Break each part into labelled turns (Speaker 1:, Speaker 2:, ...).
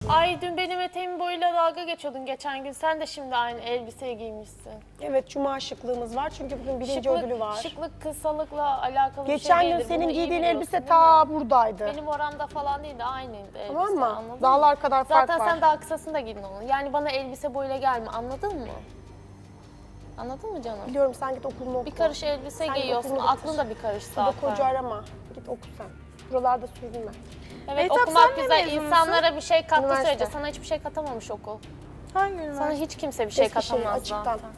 Speaker 1: Ay dün benim eteğim boyuyla dalga geçiyordun geçen gün. Sen de şimdi aynı elbiseyi giymişsin.
Speaker 2: Evet, cuma şıklığımız var çünkü bugün birinci ödülü var.
Speaker 1: Şıklık kısalıkla alakalı
Speaker 2: Geçen
Speaker 1: bir şey
Speaker 2: gün
Speaker 1: değildir.
Speaker 2: senin
Speaker 1: Bunu iyi
Speaker 2: giydiğin
Speaker 1: biliyorsun,
Speaker 2: elbise
Speaker 1: değil
Speaker 2: ta
Speaker 1: mi?
Speaker 2: buradaydı.
Speaker 1: Benim oramda falan değildi, aynıydı elbise.
Speaker 2: Tamam mı?
Speaker 1: Anladın
Speaker 2: Dağlar
Speaker 1: mı?
Speaker 2: kadar fark
Speaker 1: Zaten
Speaker 2: var.
Speaker 1: sen daha kısasını da giydin onu. Yani bana elbise boyuyla gelme, anladın mı? Anladın mı canım?
Speaker 2: Biliyorum, sen git okulunu oku.
Speaker 1: Bir karış elbise
Speaker 2: Sen
Speaker 1: giyiyorsun,
Speaker 2: okulunu bitir.
Speaker 1: aklın da bir karış
Speaker 2: Burada
Speaker 1: zaten.
Speaker 2: koca arama. Git oku sen. Buralarda sürünme.
Speaker 1: Evet,
Speaker 3: Mehtap,
Speaker 1: okumak
Speaker 3: sen ne
Speaker 1: güzel.
Speaker 3: mezunusun?
Speaker 1: İnsanlara bir şey kattığı
Speaker 2: Üniversite.
Speaker 1: sürece sana hiçbir şey katamamış okul.
Speaker 3: Hangi üniversite?
Speaker 1: Sana hiç kimse bir şey
Speaker 2: Eskişehir,
Speaker 1: katamaz
Speaker 2: açıktan.
Speaker 1: zaten.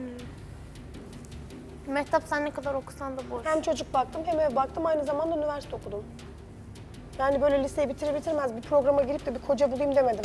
Speaker 1: Mehtap sen ne kadar okusan da boş.
Speaker 2: Hem çocuk baktım hem ev baktım, aynı zamanda üniversite okudum. Yani böyle liseyi bitirir bitirmez bir programa girip de bir koca bulayım demedim.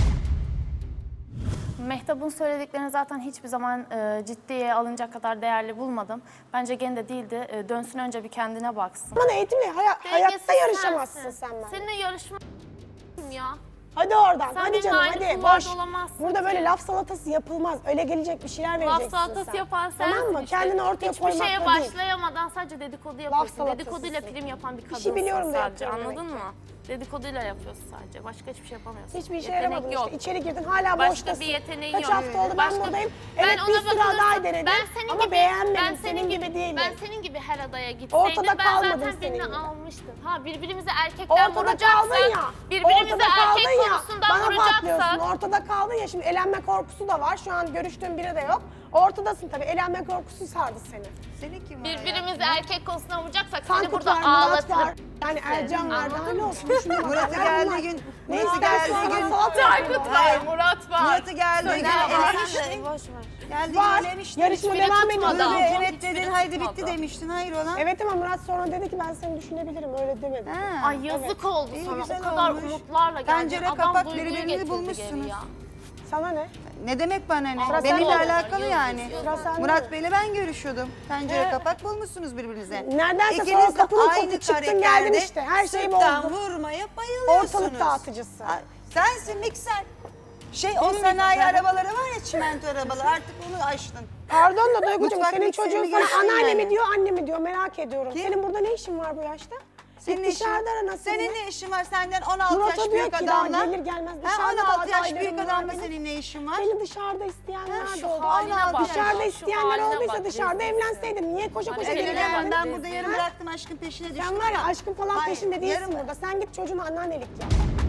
Speaker 4: Mehtap'ın söylediklerini zaten hiçbir zaman ciddiye alınacak kadar değerli bulmadım. Bence gene de değildi. Dönsün önce bir kendine baksın.
Speaker 2: Bana eğitimle hayatta
Speaker 1: Dengesiz
Speaker 2: yarışamazsın
Speaker 1: sensin.
Speaker 2: sen benimle.
Speaker 1: Seninle yarışma ya.
Speaker 2: Hadi oradan,
Speaker 1: Sen
Speaker 2: hadi
Speaker 1: benimle
Speaker 2: canım,
Speaker 1: aynı
Speaker 2: hadi
Speaker 1: kulvarda
Speaker 2: boş.
Speaker 1: olamazsın
Speaker 2: Burada
Speaker 1: ki.
Speaker 2: böyle laf salatası yapılmaz. Öyle gelecek bir şeyler vereceksin
Speaker 1: Salatası
Speaker 2: sen.
Speaker 1: yapan sensin
Speaker 2: Tamam mı?
Speaker 1: işte.
Speaker 2: Kendini ortaya
Speaker 1: Hiçbir
Speaker 2: koymakla
Speaker 1: şeye
Speaker 2: değil.
Speaker 1: başlayamadan sadece dedikodu yapıyorsun.
Speaker 2: salatasısın.
Speaker 1: Dedikoduyla prim yapan bir kadınsın
Speaker 2: İşi biliyorum da
Speaker 1: sadece,
Speaker 2: yapıyorum
Speaker 1: anladın
Speaker 2: demek
Speaker 1: mı? Dedikoduyla yapıyorsun sadece. Başka hiçbir şey yapamıyorsun.
Speaker 2: Hiçbir işe
Speaker 1: Yetenek
Speaker 2: yaramadın
Speaker 1: yok.
Speaker 2: işte. İçeri girdin, hala
Speaker 1: Başka
Speaker 2: boştasın.
Speaker 1: bir yeteneğin
Speaker 2: Kaç
Speaker 1: yok.
Speaker 2: hafta oldu ben
Speaker 1: Başka-
Speaker 2: buradayım.
Speaker 1: Ben
Speaker 2: Evet, bir
Speaker 1: ona
Speaker 2: sürü
Speaker 1: bakılırsa-
Speaker 2: aday denedim
Speaker 1: ben senin
Speaker 2: ama
Speaker 1: gibi,
Speaker 2: beğenmedim.
Speaker 1: ben
Speaker 2: senin gibi değilim.
Speaker 1: Ben senin gibi her adaya gitseydim
Speaker 2: Ortada
Speaker 1: ben
Speaker 2: kalmadın
Speaker 1: zaten
Speaker 2: senin
Speaker 1: birini
Speaker 2: gibi.
Speaker 1: almıştım. Ha birbirimizi erkekten
Speaker 2: Ortada
Speaker 1: vuracaksak,
Speaker 2: kaldın ya.
Speaker 1: birbirimizi
Speaker 2: Ortada
Speaker 1: erkek
Speaker 2: kaldın ya.
Speaker 1: konusundan
Speaker 2: Bana patlıyorsun.
Speaker 1: vuracaksak.
Speaker 2: Ortada kaldın ya. Şimdi elenme korkusu da var. Şu an görüştüğüm biri de yok. Ortadasın tabii. Elenme korkusu sardı seni.
Speaker 5: Senin kim var
Speaker 1: Birbirimizi erkek konusundan vuracaksak
Speaker 2: Tankut
Speaker 1: seni burada
Speaker 2: var, Murat
Speaker 1: ağlatırım.
Speaker 2: var. Yani Ercan var. Daha ne olsun? Şuna bak.
Speaker 5: Murat'ı
Speaker 2: Ya
Speaker 5: geldiği
Speaker 2: bunlar-
Speaker 5: gün,
Speaker 2: Ne
Speaker 5: Murat'ı
Speaker 2: istersen
Speaker 5: geldiği gün,
Speaker 2: salata
Speaker 1: Tankut var, Murat var.
Speaker 5: Murat'ı geldiği gün elemiştin.
Speaker 1: Boş ver.
Speaker 5: Geldiği
Speaker 2: var.
Speaker 5: gün elemiştin.
Speaker 2: Yarışma
Speaker 1: Hiçbiri
Speaker 2: devam
Speaker 1: tutmadı.
Speaker 2: ediyor.
Speaker 5: Dur
Speaker 1: Hiçbiri
Speaker 5: be, evet dedin, haydi
Speaker 1: tutmadı.
Speaker 5: bitti demiştin. Hayır ona.
Speaker 2: Evet ama Murat sonra dedi ki ben seni düşünebilirim. Öyle demedi.
Speaker 5: Ha.
Speaker 1: Ay yazık oldu
Speaker 5: İyi,
Speaker 1: sana.
Speaker 5: güzel
Speaker 1: O kadar
Speaker 5: olmuş.
Speaker 1: umutlarla geldin.
Speaker 5: Pencere
Speaker 1: Adam
Speaker 5: kapak
Speaker 1: duyguyu
Speaker 5: birbirini
Speaker 1: getirdi
Speaker 5: bulmuşsunuz.
Speaker 1: geri ya.
Speaker 2: Sana ne?
Speaker 5: Ne demek bana ne?
Speaker 2: Sıra
Speaker 5: Benimle
Speaker 2: sende.
Speaker 5: alakalı yani.
Speaker 2: Sıra sende.
Speaker 5: Murat Bey'le ben görüşüyordum. Pencere kapak bulmuşsunuz birbirinize.
Speaker 2: Neredense sonra
Speaker 5: İkiniz de
Speaker 2: kapının
Speaker 5: aynı
Speaker 2: kopu çıktın geldin
Speaker 5: karakterde
Speaker 2: işte. Her şeyi
Speaker 5: sırttan
Speaker 2: bozdun.
Speaker 5: vurmaya bayılıyorsunuz.
Speaker 2: Ortalık dağıtıcısı.
Speaker 5: Ay, sensin mikser. O sanayi arabaları var ya, çimento arabaları, artık onu aştın.
Speaker 2: Pardon da Duygucuğum,
Speaker 5: Mutfak
Speaker 2: senin
Speaker 5: mikserini
Speaker 2: çocuğun sana
Speaker 5: geçtin
Speaker 2: anneanne
Speaker 5: yani.
Speaker 2: mi diyor, anne mi diyor, merak ediyorum.
Speaker 5: Kim?
Speaker 2: Senin burada ne işin var bu yaşta?
Speaker 5: Senin
Speaker 2: Git dışarıda ara nasıl?
Speaker 5: Senin ne işin var senden 16
Speaker 2: Murat'a
Speaker 5: yaş
Speaker 2: diyor
Speaker 5: büyük
Speaker 2: ki daha
Speaker 5: adamla?
Speaker 2: gelir gelmez
Speaker 5: Ha,
Speaker 2: dışarıda da
Speaker 5: 16 yaş
Speaker 2: adaylarım
Speaker 5: büyük
Speaker 2: var
Speaker 5: adamla
Speaker 2: benim.
Speaker 5: senin ne işin var?
Speaker 2: Beni dışarıda isteyenler
Speaker 5: Ha,
Speaker 2: de
Speaker 5: şu
Speaker 2: oldu.
Speaker 5: haline
Speaker 2: Allah,
Speaker 5: bak ya,
Speaker 2: dışarıda
Speaker 1: şu
Speaker 2: isteyenler
Speaker 1: haline
Speaker 2: olduysa
Speaker 1: bak,
Speaker 2: dışarıda
Speaker 1: rezilsin.
Speaker 2: evlenseydin. Niye koşa koşa
Speaker 1: Hani
Speaker 2: geri
Speaker 1: evine
Speaker 2: geldin?
Speaker 5: Ben burada yarım
Speaker 2: Ha?
Speaker 5: bıraktım, aşkın peşine düştüm.
Speaker 2: Sen var ya aşkın falan
Speaker 5: Hayır,
Speaker 2: peşinde değilsin
Speaker 5: yarım-
Speaker 2: burada. Sen git çocuğuna anneannelik yap.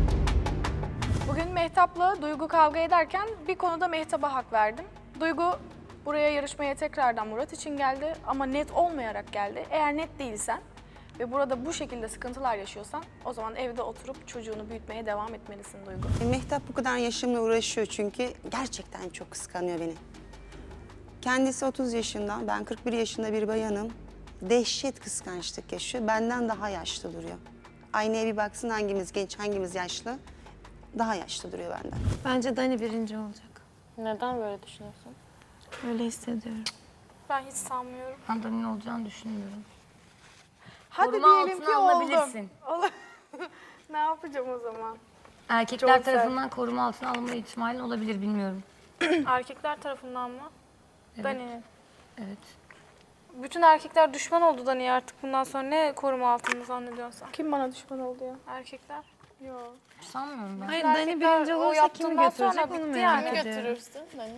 Speaker 3: Bugün Mehtap'la Duygu kavga ederken bir konuda Mehtap'a hak verdim. Duygu buraya yarışmaya tekrardan Murat için geldi ama net olmayarak geldi. Eğer net değilsen ve burada bu şekilde sıkıntılar yaşıyorsan o zaman evde oturup çocuğunu büyütmeye devam etmelisin Duygu.
Speaker 5: Mehtap bu kadar yaşımla uğraşıyor çünkü gerçekten çok kıskanıyor beni. Kendisi 30 yaşında, ben 41 yaşında bir bayanım. Dehşet kıskançlık yaşıyor, benden daha yaşlı duruyor. Aynaya bir baksın, hangimiz genç, hangimiz yaşlı. Daha yaşlı duruyor benden.
Speaker 6: Bence Dani birinci olacak.
Speaker 1: Neden böyle düşünüyorsun?
Speaker 6: Öyle hissediyorum.
Speaker 3: Ben hiç sanmıyorum.
Speaker 6: Ben Dani'nin olacağını düşünmüyorum.
Speaker 3: Hadi
Speaker 6: Koruma
Speaker 3: diyelim
Speaker 6: altına
Speaker 3: ki
Speaker 6: alınabilirsin.
Speaker 3: oldum. Ne yapacağım o zaman?
Speaker 6: Erkekler
Speaker 3: Çok sert.
Speaker 6: tarafından koruma altına alınma ihtimalin olabilir, bilmiyorum.
Speaker 3: Erkekler tarafından mı? Dani'nin.
Speaker 6: Evet.
Speaker 3: Bütün erkekler düşman oldu Dani'ye artık, bundan sonra ne koruma altında zannediyorsun sen? Kim bana düşman oldu ya? Erkekler? Yok.
Speaker 6: Sanmıyorum ben. Hayır,
Speaker 3: Erkekler
Speaker 6: Dani birinci
Speaker 3: o
Speaker 6: olursa kimi
Speaker 3: yaptığından sonra
Speaker 6: götürecek onu
Speaker 3: bitti
Speaker 6: merak
Speaker 3: yani.
Speaker 6: ediyorum.
Speaker 1: Götürürsün beni.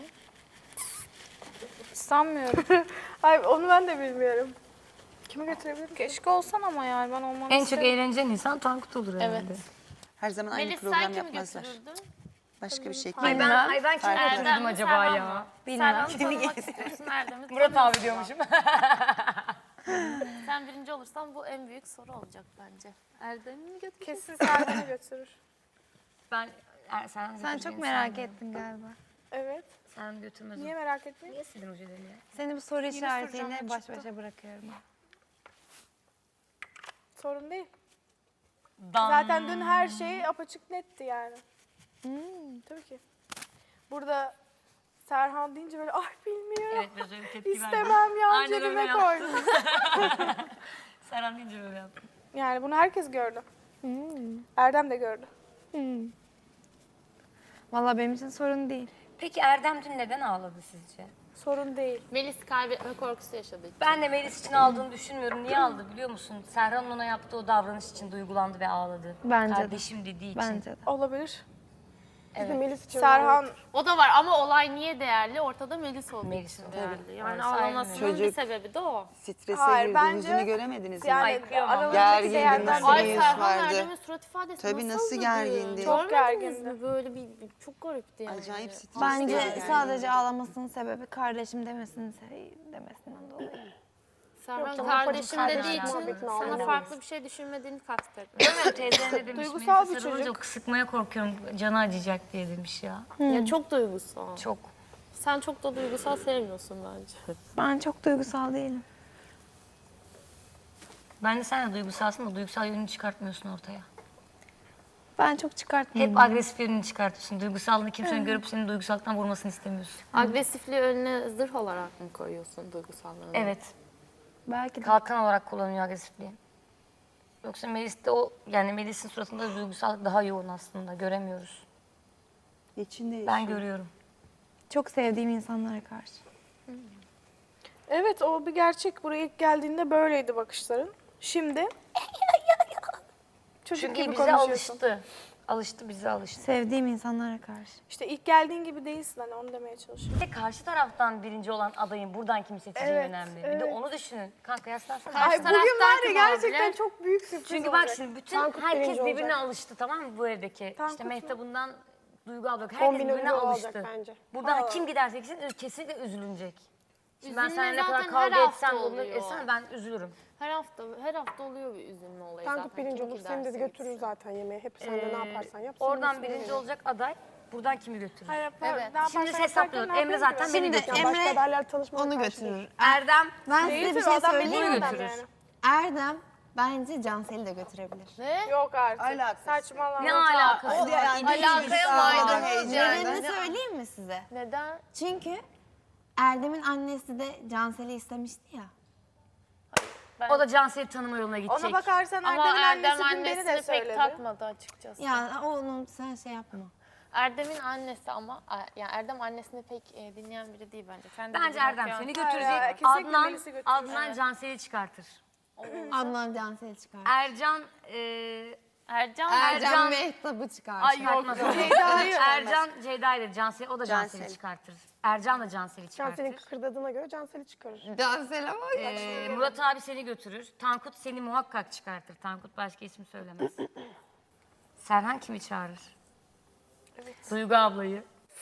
Speaker 3: Sanmıyorum. Hayır, onu ben de bilmiyorum. Kimi götürebilirim? Keşke olsan ama yani, ben olmanı
Speaker 6: En çok
Speaker 3: isterim.
Speaker 6: eğleneceğin insan Tankut olur herhalde.
Speaker 1: Evet.
Speaker 5: Her zaman aynı
Speaker 1: Melis sen
Speaker 5: program
Speaker 1: kimi
Speaker 5: yapmazlar.
Speaker 1: götürürdün?
Speaker 5: Başka bir şey.
Speaker 6: Ay ben kimi
Speaker 1: Erdem
Speaker 6: götürürdüm
Speaker 1: mi,
Speaker 6: acaba
Speaker 1: Serhan
Speaker 6: ya?
Speaker 1: mı?
Speaker 6: Bilmem.
Speaker 1: Serhan'ı tanımak istiyorsun, Erdem'i
Speaker 6: Murat abi
Speaker 1: tanıyorsun.
Speaker 6: diyormuşum.
Speaker 1: Sen birinci olursan bu en büyük soru olacak bence. Erdem'i mi götüreceksin?
Speaker 3: Kesin Serdar'ı götürür.
Speaker 6: Ben Sen çok merak ettin galiba.
Speaker 3: Evet.
Speaker 6: Sen götürmez.
Speaker 3: Niye merak ettin?
Speaker 6: Niye sildin ojelerini ya? Seni bu soru
Speaker 3: işaretiyle baş
Speaker 6: başa bırakıyorum.
Speaker 3: Sorun değil. Zaten dün her
Speaker 6: Hmm.
Speaker 3: şey apaçık netti yani. Tabii ki. Burada Serhan deyince böyle ay bilmiyorum.
Speaker 6: Evet, biraz öyle tepki verdim.
Speaker 3: İstemem ya,
Speaker 6: Aynen öyle
Speaker 3: cebime
Speaker 6: yaptım.
Speaker 3: koy.
Speaker 6: Serhan deyince böyle yaptım.
Speaker 3: Yani bunu herkes gördü. Erdem de gördü.
Speaker 6: Vallahi benim için sorun değil. Peki Erdem dün neden ağladı sizce?
Speaker 3: Sorun değil.
Speaker 1: Melis kaybetme korkusu yaşadı.
Speaker 6: Ben de Melis için ağladığını düşünmüyorum. Niye ağladı biliyor musun? Serhan'ın ona yaptığı o davranış için duygulandı ve ağladı.
Speaker 7: Bence de.
Speaker 6: Kardeşim dediği için.
Speaker 7: Bence de.
Speaker 3: Olabilir.
Speaker 2: Biz de Melis için
Speaker 3: Serhan
Speaker 1: O da var ama olay niye değerli? Ortada Melis olduğu
Speaker 6: Melis
Speaker 1: için
Speaker 6: olduğu
Speaker 1: değerli.
Speaker 6: için.
Speaker 1: Yani
Speaker 6: Evet,
Speaker 1: ağlamasının
Speaker 6: aynen
Speaker 1: bir
Speaker 5: öyle.
Speaker 1: sebebi de o.
Speaker 5: Strese
Speaker 3: Hayır,
Speaker 5: girdi.
Speaker 3: bence-
Speaker 5: Yüzünü göremediniz mi?
Speaker 3: yani
Speaker 6: kıyamam.
Speaker 3: aralarındaki
Speaker 5: Gergindi,
Speaker 3: değerden
Speaker 5: nasıl
Speaker 1: Ay
Speaker 5: bir yüz
Speaker 1: Serhan
Speaker 5: vardı.
Speaker 1: Erdem'in surat ifadesi
Speaker 5: Tabii, nasıl
Speaker 1: nasıldı?
Speaker 5: gergindi.
Speaker 3: Çok
Speaker 1: Görmediniz
Speaker 3: gergindi.
Speaker 1: mi? Böyle çok garipti yani.
Speaker 5: Acayip stresli.
Speaker 7: Bence
Speaker 5: yani.
Speaker 7: sadece ağlamasının sebebi kardeşim demesinden dolayı.
Speaker 1: Serhan
Speaker 2: canım,
Speaker 1: kardeşim
Speaker 2: kardeşim
Speaker 1: dediği için
Speaker 2: muhabbetini
Speaker 1: sana
Speaker 2: anlamayız.
Speaker 1: farklı bir şey düşünmediğini kastetmiş.
Speaker 6: Değil mi? Teyze ne demiş?
Speaker 3: Duygusal bir
Speaker 6: Melisa sarılınca
Speaker 3: çocuk.
Speaker 6: Sıkmaya korkuyorum, canı acıyacak diye demiş ya.
Speaker 1: Ya çok duygusal.
Speaker 6: Çok.
Speaker 1: Sen çok da duygusal sevmiyorsun bence.
Speaker 7: Ben çok duygusal değilim.
Speaker 6: Ben de sen de duygusalsın da duygusal yönünü çıkartmıyorsun ortaya.
Speaker 7: Ben çok çıkartmıyorum.
Speaker 6: Hep agresif yönünü çıkartıyorsun. Duygusallığını kimsenin görüp senin duygusallıktan vurmasını istemiyorsun.
Speaker 1: Agresifliği önüne zırh olarak mı koyuyorsun duygusallığını?
Speaker 6: Evet.
Speaker 7: Belki de.
Speaker 6: Kalkan olarak kullanıyor agresifliği. Yoksa Melis'te yani Melis'in suratında duygusallık daha yoğun aslında. Göremiyoruz.
Speaker 5: İçinde
Speaker 6: Ben
Speaker 5: yaşıyor.
Speaker 6: görüyorum.
Speaker 7: Çok sevdiğim insanlara karşı.
Speaker 3: Evet, o bir gerçek. Buraya ilk geldiğinde böyleydi bakışların. Şimdi çocuk
Speaker 6: Çünkü
Speaker 3: gibi
Speaker 6: bize
Speaker 3: konuşuyorsun.
Speaker 6: alıştı. Alıştı, bize alıştı.
Speaker 7: Sevdiğim insanlara karşı.
Speaker 3: İşte ilk geldiğin gibi değilsin, hani onu demeye çalışıyorum.
Speaker 6: Bir de karşı taraftan birinci olan adayın buradan kimi seçeceği
Speaker 3: Evet,
Speaker 6: önemli. Bir de
Speaker 3: evet.
Speaker 6: onu düşünün. Kanka yaslansana.
Speaker 1: Karşı
Speaker 3: Bugün var ya
Speaker 1: kim
Speaker 3: gerçekten
Speaker 1: olabilir?
Speaker 3: çok büyük sürpriz
Speaker 6: Çünkü
Speaker 3: olacak.
Speaker 6: bak şimdi bütün
Speaker 2: Tankut
Speaker 6: herkes
Speaker 2: birinci
Speaker 6: birbirine
Speaker 2: olacak.
Speaker 6: alıştı, tamam mı, bu evdeki?
Speaker 3: Tankut
Speaker 6: işte
Speaker 3: mu?
Speaker 6: Mehtap'ından Duygu abla. Herkes
Speaker 2: Kombin
Speaker 6: birbirine
Speaker 2: ünlü
Speaker 6: alıştı.
Speaker 2: olacak bence.
Speaker 6: Buradan kim giderse gitsin kesinlikle üzülünecek. Şimdi ben
Speaker 1: Üzülme
Speaker 6: seninle ne kadar
Speaker 1: zaten
Speaker 6: kavga
Speaker 1: her hafta
Speaker 6: etsem, bunu
Speaker 1: oluyor.
Speaker 6: etsem ben üzülürüm.
Speaker 1: Her hafta oluyor bir üzülme olayı
Speaker 2: Tankut
Speaker 1: zaten.
Speaker 2: birinci
Speaker 1: Kim
Speaker 2: olur, seni de
Speaker 1: giderse
Speaker 2: götürür
Speaker 1: gitsin.
Speaker 2: zaten yemeğe. Hep sen de ne yaparsan yap. senin
Speaker 6: Oradan
Speaker 2: üstüne
Speaker 6: birinci
Speaker 2: gelir.
Speaker 6: olacak aday, buradan kimi götürür?
Speaker 3: Hayır,
Speaker 1: Evet.
Speaker 3: ne yaparsan
Speaker 6: Şimdi
Speaker 3: yaparken
Speaker 6: hesaplıyoruz.
Speaker 3: ne
Speaker 6: Emre
Speaker 3: yapıyorsun
Speaker 6: zaten
Speaker 3: ki?
Speaker 6: beni
Speaker 7: Şimdi
Speaker 6: götürür.
Speaker 2: Ya başka
Speaker 7: Emre
Speaker 2: adaylar tanışmadan
Speaker 7: onu
Speaker 2: karşı değil.
Speaker 7: götürür.
Speaker 6: Erdem
Speaker 7: Ben size
Speaker 3: Değildir,
Speaker 7: bir
Speaker 3: o
Speaker 7: şey
Speaker 3: adam
Speaker 7: söyleyeyim
Speaker 3: dediğin
Speaker 7: mi?
Speaker 3: adam
Speaker 6: götürür.
Speaker 3: yani.
Speaker 7: Erdem bence Cansel'i de götürebilir.
Speaker 1: Ne?
Speaker 3: Yok artık.
Speaker 5: Alakası.
Speaker 3: Saçmalama.
Speaker 6: Ne alakası var?
Speaker 1: Alakaya maydanoz yani.
Speaker 7: Nedenini söyleyeyim mi size?
Speaker 1: Neden?
Speaker 7: Çünkü Erdem'in annesi de Cansel'i istemişti ya.
Speaker 6: O da Cansel'i tanıma yoluna gidecek.
Speaker 3: Ona bakarsan
Speaker 1: Ama
Speaker 3: Erdem'in
Speaker 1: Erdem
Speaker 3: annesi dün beni de
Speaker 1: annesini pek
Speaker 3: söyledi.
Speaker 1: takmadı açıkçası.
Speaker 7: Ya onu sen şey yapma.
Speaker 1: Erdem'in annesi ama yani Erdem annesini pek dinleyen biri değil bence. Sen de
Speaker 6: Bence
Speaker 1: bilmiyorum
Speaker 6: Erdem
Speaker 1: ki ya.
Speaker 6: seni
Speaker 3: Hayır,
Speaker 6: götürecek.
Speaker 3: kesinlikle
Speaker 6: Adnan,
Speaker 3: Melis'i götürür.
Speaker 6: Adnan Cansel'i çıkartır.
Speaker 7: Adnan Cansel'i çıkar.
Speaker 6: Ercan,
Speaker 1: Ercan,
Speaker 6: Ercan-
Speaker 7: Mehtap'ı çıkar.
Speaker 1: Ay yok.
Speaker 6: Ercan Ceyda'ydı. Cansel, o da Cansel'i
Speaker 5: Cansel.
Speaker 6: çıkartır. Ercan da Cansel'i çıkartır.
Speaker 2: Cansel'in kıkırdadığına göre Cansel'i çıkarır.
Speaker 7: Cansel'e bak.
Speaker 6: Murat abi seni götürür. Tankut seni muhakkak çıkartır. Tankut başka isim söylemez. Serhan kimi çağırır? Duygu ablayı.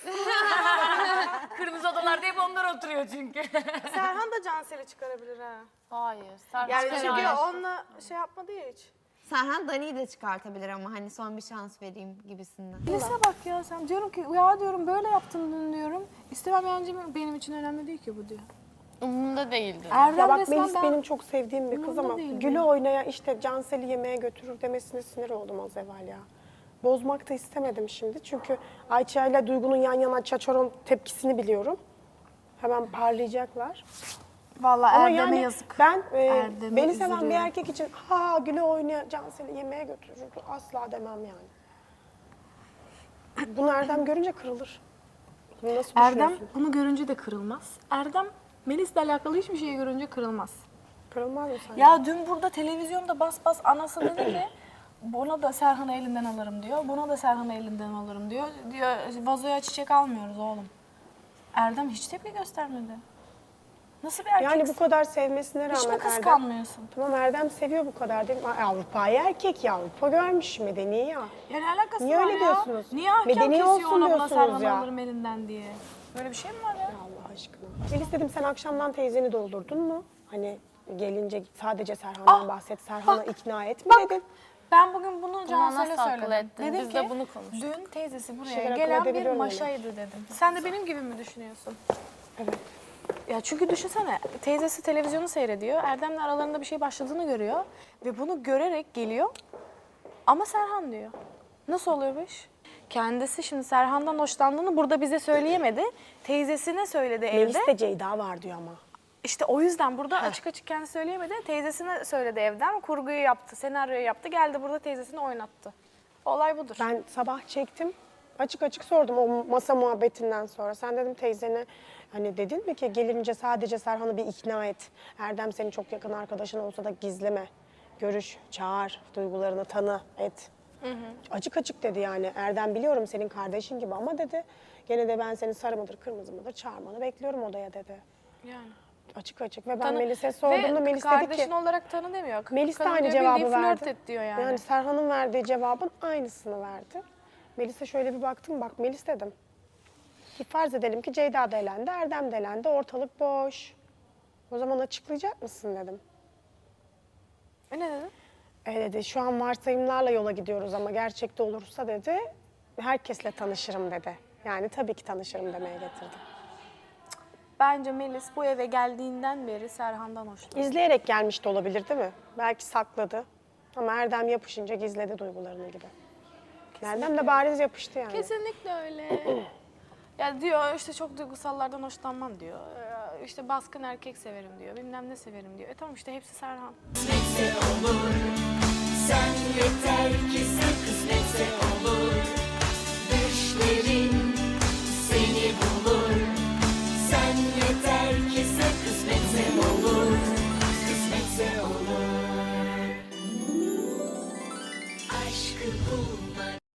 Speaker 6: Kırmızı odalarda hep onlar oturuyor çünkü.
Speaker 3: Serhan da Cansel'i çıkarabilir ha.
Speaker 1: Hayır. Serhan
Speaker 3: Yani
Speaker 1: çıkar.
Speaker 3: çünkü onunla şey yapmadı ya hiç.
Speaker 7: Serhan Dani'yi de çıkartabilir ama hani son bir şans vereyim gibisinden.
Speaker 3: Melis'e bak ya, sen diyorum ki ya diyorum böyle yaptın dün diyorum. İstemem yancım, benim için önemli değil ki bu diyor.
Speaker 1: Umurumda değildi.
Speaker 3: Erdem
Speaker 2: Ya bak
Speaker 3: resmen
Speaker 2: Melis
Speaker 3: ben-
Speaker 2: benim çok sevdiğim bir kız
Speaker 3: Umurumda
Speaker 2: ama
Speaker 3: değil
Speaker 2: Gül'ü
Speaker 3: benim.
Speaker 2: oynaya işte Cansel'i yemeğe götürür demesine sinir oldum az evvel ya. Bozmak da istemedim şimdi çünkü Ayça ile Duygu'nun yan yana çaçaron tepkisini biliyorum. Hemen parlayacaklar.
Speaker 3: Vallahi
Speaker 2: Ama
Speaker 3: Erdem'e
Speaker 2: yani
Speaker 3: yazık.
Speaker 2: ben
Speaker 3: Erdem'e
Speaker 2: beni seven bir
Speaker 3: üzülüyorum.
Speaker 2: erkek için ha Gül'ü oynaya Cansel'i yemeğe götürür asla demem yani. Bunu Erdem görünce kırılır. Bunu nasıl
Speaker 3: Erdem
Speaker 2: düşünüyorsun?
Speaker 3: bunu görünce de kırılmaz. Erdem Melis'le alakalı hiçbir şeyi görünce kırılmaz.
Speaker 2: Kırılmaz mı sen?
Speaker 3: Ya dün burada televizyonda bas bas anası dedi ki buna da Serhan'ı elinden alırım diyor. Buna da Serhan'ı elinden alırım diyor. Diyor vazoya çiçek almıyoruz oğlum. Erdem hiç tepki göstermedi. Nasıl bir erkek?
Speaker 2: Yani bu kadar sevmesine
Speaker 3: hiç mi
Speaker 2: rağmen Erdem...
Speaker 3: kıskanmıyorsun?
Speaker 2: Tamam Erdem seviyor bu kadar değil mi? Ay, Avrupa'yı erkek ya, Avrupa görmüş medeni ya.
Speaker 3: Ya ne alakası
Speaker 2: Niye
Speaker 3: var
Speaker 2: öyle
Speaker 3: ya?
Speaker 2: diyorsunuz?
Speaker 3: Niye ahkam
Speaker 2: Medeni
Speaker 3: kesiyor
Speaker 2: olsun
Speaker 3: ona buna
Speaker 2: diyorsunuz
Speaker 3: Serhan'ı
Speaker 2: ya.
Speaker 3: alırım elinden diye? Böyle bir şey mi var ya?
Speaker 2: Allah aşkına. Melis dedim sen akşamdan teyzeni doldurdun mu? Hani gelince sadece Serhan'dan bahset, Serhan'ı ikna etme dedim.
Speaker 3: Ben bugün bunu
Speaker 1: nasıl
Speaker 3: Cansel'e
Speaker 1: akıl
Speaker 3: söyledim.
Speaker 1: ettin?
Speaker 3: Dedim
Speaker 1: Biz
Speaker 3: ki
Speaker 1: de bunu konuştuk.
Speaker 3: dün teyzesi buraya
Speaker 2: şeyler akıl
Speaker 3: gelen bir
Speaker 2: edebiliyorum
Speaker 3: maşaydı dedim. Sen de benim gibi mi düşünüyorsun?
Speaker 2: Evet.
Speaker 3: Ya çünkü düşünsene teyzesi televizyonu seyrediyor. Erdem'le aralarında bir şey başladığını görüyor. Ve bunu görerek geliyor. Ama Serhan diyor. Nasıl oluyor bu iş? Kendisi şimdi Serhan'dan hoşlandığını burada bize söyleyemedi. Teyzesine söyledi evde.
Speaker 2: Melis'te Ceyda var diyor ama.
Speaker 3: İşte o yüzden burada açık açık kendi söyleyemedi. Teyzesine söyledi evden. Kurguyu yaptı, senaryoyu yaptı. Geldi burada teyzesini oynattı. Olay budur.
Speaker 2: Ben sabah çektim. Açık açık sordum o masa muhabbetinden sonra. Sen dedim teyzene hani dedin mi ki gelince sadece Serhan'ı bir ikna et. Erdem senin çok yakın arkadaşın olsa da gizleme. Görüş, çağır, duygularını tanı, et. Açık açık dedi yani. Erdem biliyorum senin kardeşin gibi ama dedi. Gene de ben seni sarı mıdır kırmızı mıdır çağırmanı bekliyorum odaya dedi.
Speaker 3: Yani.
Speaker 2: Açık açık ve ben
Speaker 3: Tanı-
Speaker 2: Melis'e sorduğumda
Speaker 3: Ve
Speaker 2: Melis dedi
Speaker 3: kardeşin
Speaker 2: ki...
Speaker 3: olarak tanı demiyor.
Speaker 2: Melis de
Speaker 3: Kadın
Speaker 2: aynı
Speaker 3: diyor,
Speaker 2: cevabı
Speaker 3: bildiğin
Speaker 2: verdi.
Speaker 3: flört et diyor yani.
Speaker 2: Yani Serhan'ın verdiği cevabın aynısını verdi. Melis'e şöyle bir baktım, bak Melis dedim. Ki farz edelim ki Ceyda da elendi, Erdem de elendi, ortalık boş. O zaman açıklayacak mısın dedim.
Speaker 3: Ne dedin?
Speaker 2: Dedi, şu an varsayımlarla yola gidiyoruz ama gerçekte olursa dedi, herkesle tanışırım dedi. Yani tabii ki tanışırım demeye getirdim.
Speaker 3: Bence Melis bu eve geldiğinden beri Serhan'dan hoşlanıyor.
Speaker 2: İzleyerek gelmiş de olabilir değil mi? Belki sakladı ama Erdem yapışınca gizledi duygularını gibi. Erdem de bariz yapıştı yani.
Speaker 3: Kesinlikle öyle. Ya diyor işte çok duygusallardan hoşlanmam diyor. İşte baskın erkek severim diyor. Bilmem ne severim diyor. Tamam işte hepsi Serhan.
Speaker 8: Sen yeter ki sen kısmetse olur. Düşlerin